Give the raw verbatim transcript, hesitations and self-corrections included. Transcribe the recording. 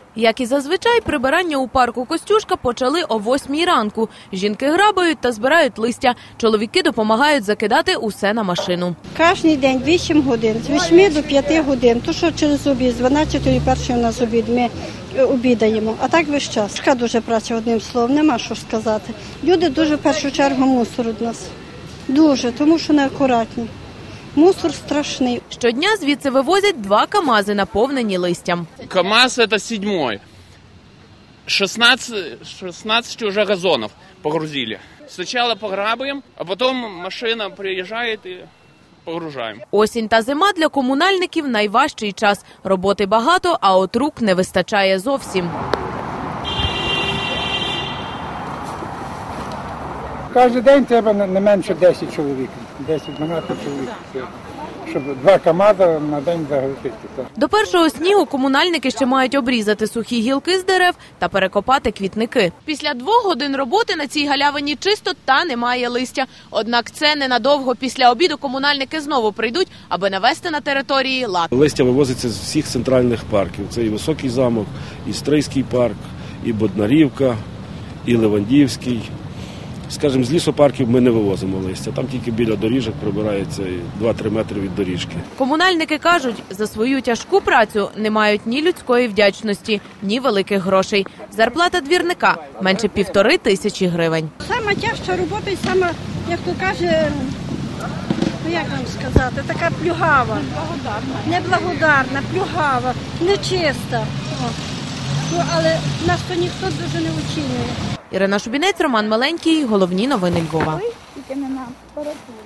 Як і зазвичай, прибирання у парку Костюшка почали о восьмій ранку. Жінки грабають та збирають листя. Чоловіки допомагають закидати усе на машину. Кожен день вісім годин, з восьми до п'яти годин. То, що через обід, з дванадцятої першої у нас обід, ми обідаємо. А так весь час. Така дуже праця, одним словом, нема що сказати. Люди дуже в першу чергу мусоруть нас. Дуже, тому що неакуратні. Мусор страшний. Щодня звідси вивозять два КАМАЗи, наповнені листям. КАМАЗ – это седьмой. шестнадцать, шестнадцать уже газонов погрузили. Сначала пограбаем, а потом машина приезжает и погружаем. Осінь та зима для комунальників – найважчий час. Роботи багато, а от рук не вистачає зовсім. Кожен день треба не менше десять чоловік, десять-дванадцять чоловік, щоб два КАМАЗи на день загрузити. До першого снігу комунальники ще мають обрізати сухі гілки з дерев та перекопати квітники. Після двох годин роботи на цій галявині чисто та немає листя. Однак це ненадовго. Після обіду комунальники знову прийдуть, аби навести на території лад. Листя вивозиться з всіх центральних парків. Це і Високий замок, і Стрийський парк, і Боднарівка, і Левандівський. Скажімо, з лісопарків ми не вивозимо листя. Там тільки біля доріжок прибирається два-три метри від доріжки. Комунальники кажуть, за свою тяжку працю не мають ні людської вдячності, ні великих грошей. Зарплата двірника – менше півтори тисячі гривень. Сама тяжча робота і сама, як то каже, ну як вам сказати, така плюгава. Неблагодарна, плюгава, нечиста. Ну, але нас то ніхто дуже не оцінює. Ірина Шубінець, Роман Миленький. Головні новини Львова.